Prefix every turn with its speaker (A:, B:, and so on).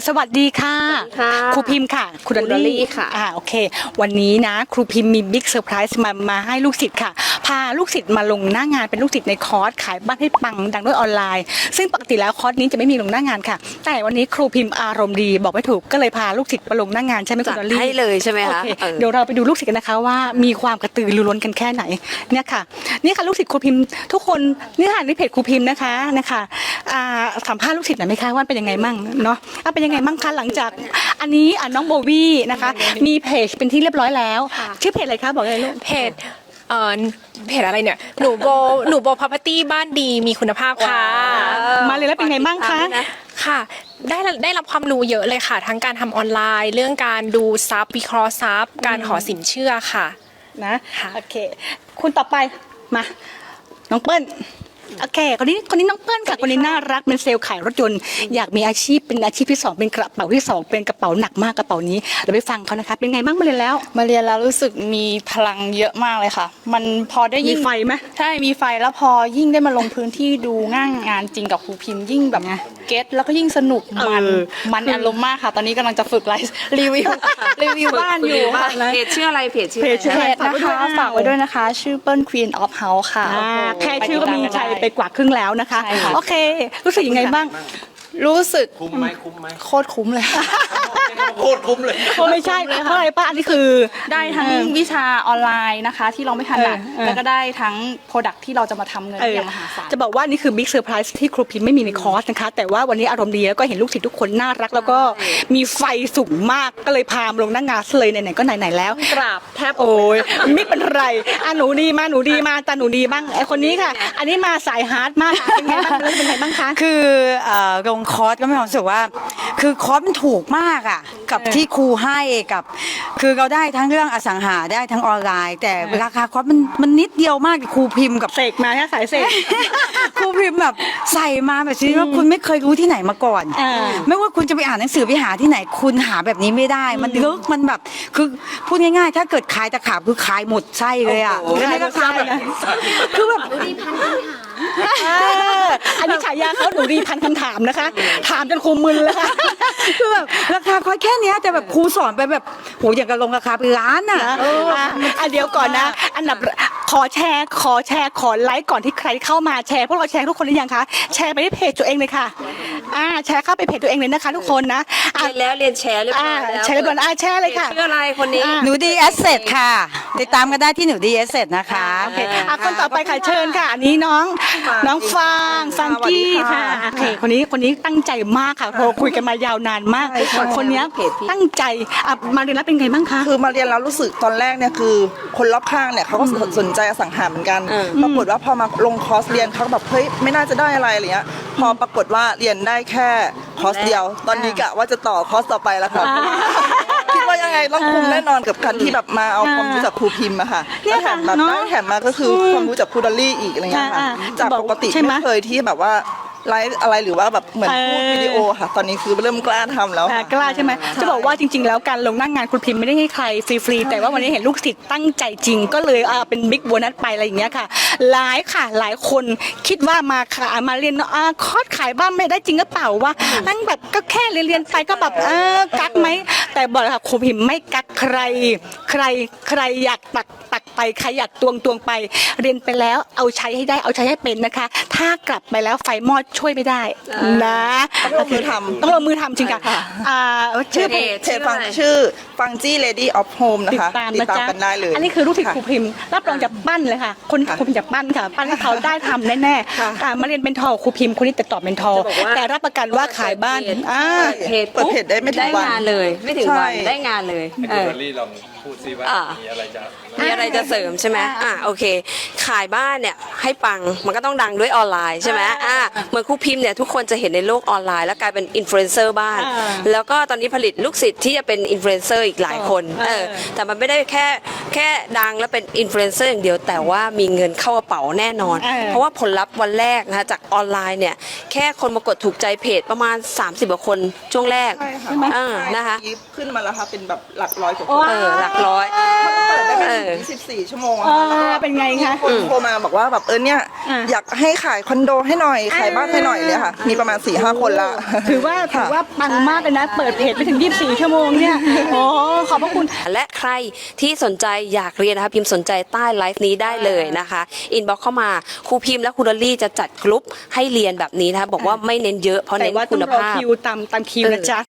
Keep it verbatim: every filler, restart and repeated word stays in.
A: สวัสดีค่ะครูพิมพ์ค่ะครูดอลลี่ค่ะอ่าโอเควันนี้นะครูพิมพ์มีบิ๊กเซอร์ไพรส์มามาให้ลูกศิษย์ค่ะพาลูกศิษย์มาลงหน้างานเป็นลูกศิษย์ในคอร์สขายบ้านให้ปังดังด้วยออนไลน์ซึ่งปกติแล้วคอร์สนี้จะไม่มีลงหน้างานค่ะแต่วันนี้ครูพิมพ์อารมณ์ดีบอกไม่ถูกก็เลยพาลูกศิษย์มาลงหน้างานใช่ไหมครูดอลลี่
B: ให้เลยใช่ไหมคะ
A: เดี๋ยวเราไปดูลูกศิษย์กันนะคะว่ามีความกระตือรือร้นกันแค่ไหนเนี่ยค่ะนี่ค่ะลูกศิษย์ครูพิมพ์ทุกคนนี่ค่ะในเพจครูพิมพ์นะคะนะคะสัมภาษณ์ลูกศิษย์หน่อยไหมคะว่าเป็นยังไงมั่งเนาะเป็นยังไงมั่งคะหลังจากอันนี้น้องโบวี่นะคะมีเพจเป็นที่เรียบร้อยแล้วชื่อเพจอะไรคะบอกเลยลูก
C: เพจเอ่อเพจอะไรเนี่ยหนูโบหนูโบพ property บ้านดีมีคุณภาพค่ะ
A: มาเลยแล้วเป็นไงมั่งคะ
C: ค่ะได้ได้รับความรู้เยอะเลยค่ะทั้งการทำออนไลน์เรื่องการดูซับวิเคราะห์ซับการขอสินเชื่อค่ะ
A: นะโอเคคุณต่อไปมาน้องเปิ้ลโอเคคนนี้คนนี้น้องเปิ้ลค่ะคนนี้น่ารักเป็นเซลล์ขายรถยนต์อยากมีอาชีพเป็นอาชีพที่สองเป็นกระเป๋าที่สองเป็นกระเป๋าหนักมากกระเป๋านี้เราไปฟังเขานะคะเป็นไงบ้างมาเรียนแล้ว
D: มาเรียนแล้วรู้สึกมีพลังเยอะมากเลยค่ะมันพอได้ยิ่ง
A: มีไฟไหม
D: ใช่มีไฟแล้วพอยิ่งได้มาลงพื้นที่ดูง่างงานจริงกับครูพิมพ์ยิ่งแบบเก็ตแล้วก็ยิ่งสนุกมันมันอารมณ์มากค่ะตอนนี้กำลังจะฝึกไลฟ์รีวิวรีวิวบ้านอยู่
B: เพจชื่ออะไรเพจชื่อเพจ
D: นะคะฝากไว้ด้วยนะคะชื่อเปิ้ล Queen of House ค่ะ
A: แค่ชื่อก็มีใจไปกว่าครึ่งแล้วนะคะโอเครู้สึกยังไงบ้าง
D: รู้สึก
E: คุ้มไหมคุ้มไหม
D: โคตรคุ้มเลย
E: โคตรคุ้มเลย
A: ไม่ใช่เพราะอะไรป้าอันนี้คือ
D: ได้ทั้งวิชาออนไลน์นะคะที่เราไม่ถนัดแล้วก็ได้ทั้งโปรดักที่เราจะมาทำเงินอย่างมหาศาล
A: จะบอกว่านี่คือบิ๊กเซอร์ไพรส์ที่ครูพิมพ์ไม่มีในคอร์สนะคะแต่ว่าวันนี้อารมณ์ดีแล้วก็เห็นลูกศิษย์ทุกคนน่ารักแล้วก็มีไฟสูงมากก็เลยพามาลงหน้างานเลยไหนๆก็ไหนๆแล้ว
D: กราบแทบ
A: โอ้ยไม่เป็นไรอ่ะหนูดีมาหนูดีมาตาหนูดีบ้างไอคนนี้ค่ะอันนี้มาสายฮาร์ดมากเป็นไงบ้างเป็นไงบ้างคะ
F: คือลงคอร์สก็มีความรู้สึกว่าคือคอร์สมันถูกมากอ่ะกับที่ครูให้กับคือเราได้ทั้งเรื่องอสังหาได้ทั้งออนไลน์แต่ราคาคอร์สมันมันนิดเดียวมากครูพิมพ์กับ
A: เสกมาแค่สายเสก
F: ครูพิมพ์แบบใส่มาแบบที่ว่าคุณไม่เคยรู้ที่ไหนมาก่อนไม่ว่าคุณจะไปอ่านหนังสือไปหาที่ไหนคุณหาแบบนี้ไม่ได้มันลึกมันแบบคือพูดง่ายๆถ้าเกิดขายตะขาบคือขายหมดไส้เลยอ่ะแล้วนี่ก็ขายแบบคือแบบ
A: ดูดีพันคำถามอันนี้ฉายาเขาหนูดีพันคำถามนะคะถามจนครูมึนแล้วค่ะ
F: คือแบบราคาคอยแค่นี้แต่แบบครูสอนไปแบบโหอย่างกับลงราคาเป็นล้านอ่ะ
A: อ่ะเดี๋ยวก่อนนะอันดับขอแชร์ขอแชร์ขอไลค์ก่อนที่ใครเข้ามาแชร์พวกเราแชร์ทุกคนหรือยังคะแชร์ไปที่เพจตัวเองเลยค่ะอ่าแชร์เข้าไปเพจตัวเองเลยนะคะทุกคนนะ
B: เรียนแล้วเรียนแชร์เรียบร้อยแล้ว
A: แชร์เรียบร้อยอ่าแชร์เลยค่ะ
B: ชื่ออะไรคนนี้
F: หนูดีแอสเซทค่ะติดตามกันได้ที่หนูดีแอสเซทนะคะ
A: โอเคอ่ะคนต่อไปค่ะเชิญค่ะอันนี้น้องน้องฟางฟังกี้ค่ะโอเคคนนี้คนนี้ตั้งใจมากค่ะโทรคุยกันมายาวนานมากคนนี้ตั้งใจอ่ะมาเรียนแล้วเป็นไงบ้างคะ
G: คือมาเรียนแล้วรู้สึกตอนแรกเนี่ยคือคนรอบข้างเนี่ยเขาก็สนใจอสังหาเหมือนกันปรากฏว่าพอมาลงคอร์สเรียนเขาแบบเฮ้ยไม่น่าจะได้อะไรอะไรเงี้ยพอปรากฏว่าเรียนได้แค่คอร์สเดียวตอนนี้กะว่าจะต่อคอร์สต่อไปแล้วค่ะคิดว่ายังไงต้องคุ้มแน่นอนกับการที่แบบมาเอาความรู้จากครูพิมพ์อะค่ะแล้วแถมแบบได้แถมมาก็คือความรู้จากครูดอลลี่อีกอะไรเงี้ยค่ะจากปกติไม่เคยที่แบบว่าไลฟ์อะไรหรือว่าแบบเหมือนพูดวิดีโอค่ะตอนนี้คือเริ่มกล้าทำแล้ว
A: กล้าใช่ไหมจะบอกว่าจริงๆแล้วการลงหน้างานครูพิมพ์ไม่ได้ให้ใครฟรีๆแต่ว่าวันนี้เห็นลูกศิษย์ตั้งใจจริงก็เลยอ่าเป็นบิ๊กโบนัสไปอะไรอย่างเงี้ยค่ะหลายค่ะหลายคนคิดว่ามาค่ะมาเรียนอ่าคอร์สขายบ้านไม่ได้จริงหรือเปล่าว่านั่งแบบก็แค่เรียนๆไปก็แบบเออกักไหมแต่บอกเลยค่ะครูพิมพ์ไม่กักใครใครใครอยากตักตักไปใครอยากตวงตวงไปเรียนไปแล้วเอาใช้ให้ได้เอาใช้ให้เป็นนะคะถ้ากลับไปแล้วไฟมอดช่วยไม่ได้นะ
G: ต้องลงมือทำ
A: ต้องลงมือทำจริงค่ะ
G: ชื่อเพจฟังชื่อฟังจี้เลดี้ออฟโฮมนะคะติดตามกันได้เลย
A: อันนี้คือลูกศิษย์ครูพิมพ์รับรองจากปั้นเลยค่ะคนครูพิมพ์จากปั้นค่ะปั้นให้เขาได้ทำแน่ๆการมาเรียนเป็นทอครูพิมพ์คนนี้แต่ตอบเป็นทอแต่รับประกันว่าขายบ้าน
B: เพจ
G: เปิดเพจได้ไม่ถึงวัน
B: ได้งานเลยไม่ถึงวันได้งานเลย
E: เออรี่ลองพูดซิว่ามีอะไรจะ
B: มีอะไรจะเสริมใช่ไหมอ่ะโอเคขายบ้านเนี่ยให้ปังมันก็ต้องดังด้วยออนไลน์ใช่ไหมอ่ะเหมือนครูพิมพ์เนี่ยทุกคนจะเห็นในโลกออนไลน์แล้วกลายเป็นอินฟลูเอนเซอร์บ้านแล้วก็ตอนนี้ผลิตลูกศิษย์ที่จะเป็นอินฟลูเอนเซอร์อีกหลายคนเออแต่มันไม่ได้แค่แค่ดังแล้วเป็นอินฟลูเอนเซอร์อย่างเดียวแต่ว่ามีเงินเข้ากระเป๋าแน่นอนเพราะว่าผลลัพธ์วันแรกนะคะจากออนไลน์เนี่ยแค่คนมากดถูกใจเพจประมาณสามสิบกว่าคนช่วงแรก
G: นะคะขึ้นมาแล้วค่ะเป็นแบบหลักร้อยกว่าคน
B: เออหลักร้อย
G: ปปิดได้ไม่
B: เออ
G: ถึงยี่สิบสี่ชั่วโมงอะ
A: อ่า
G: ค่ะ
A: เป็นไงคะ
G: คนโทรมาบอกว่าแบบเออเนี่ย
A: อ่ะ
G: อยากให้ขายคอนโดให้หน่อยขายบ้านให้หน่อยเลยค่ะ มีประมาณ4ี่ห้าคนละ
A: ถือว่าถือว่าปังมากเลยนะ เปิดเพจไปถึงยี่สิบสี่ชั่วโมงเนี่ยโอ้ขอบพระคุณ
B: และใครที่สนใจอยากเรียนนะคะพิมพ์สนใจใต้ไลฟ์นี้ได้เลยนะคะอินบ็อกเข้ามาครูพิมพ์และครูดอลลี่จะจัดกลุ่มให้เรียนแบบนี้นะคะบอกว่าไม่เน้นเยอะเพราะ
A: แต่
B: เน้น
A: ว่าต้
B: คุ
A: อง
B: ณ
A: รอ
B: ภาพ
A: คิวตามตามคิวนะจ๊ะ